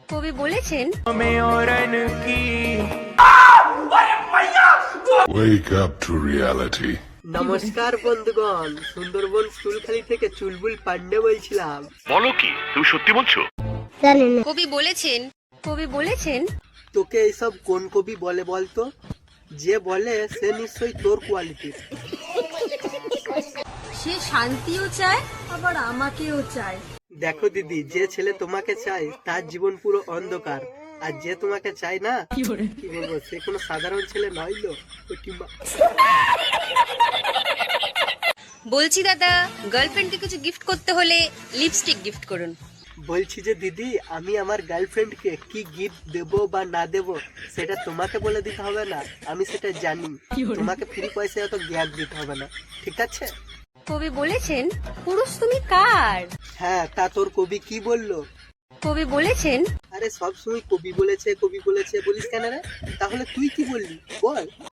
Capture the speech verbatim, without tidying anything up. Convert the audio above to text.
কবি বলেছেন, Wake up to reality. নমস্কার বন্ধুগণ, সুন্দরবন স্কুলখালি থেকে চুলবুল পান্ডে বলছিলাম। বলো কি, তুমি সত্যি বলছো? কবি বলেছেন কবি বলেছেন তোকে এইসব কোন কবি বলে বলতো? যে বলে সে নিশ্চয়ই তোর কোয়ালিটির। সে শান্তিও চায়, আবার আমাকেও চায়। দেখো দিদি, যে ছেলে তোমাকে চায় তার জীবন পুরো অন্ধকার, আর যে তোমাকে চায় না, কি বলবো, সে কোনো সাধারণ ছেলে নইলো। বলছি দাদা, গার্লফ্রেন্ডকে কিছু গিফট করতে হলে লিপস্টিক গিফট করুন। বলছি যে দিদি, আমি আমার গার্লফ্রেন্ডকে কি গিফট দেব বা না দেব সেটা তোমাকে বলে দিতে হবে না, আমি সেটা জানি। তোমাকে ফ্রি পয়সায় অত জ্ঞান দিতে হবে না, ঠিক আছে? কবি বলেছেন, পুরুষ তুমি কার? হ্যাঁ, তা তোর কবি কি বললো? কবি বলেছেন, আরে সব সময় কবি বলেছে কবি বলেছে বলিস কেন রে? তাহলে তুই কি বললি বল?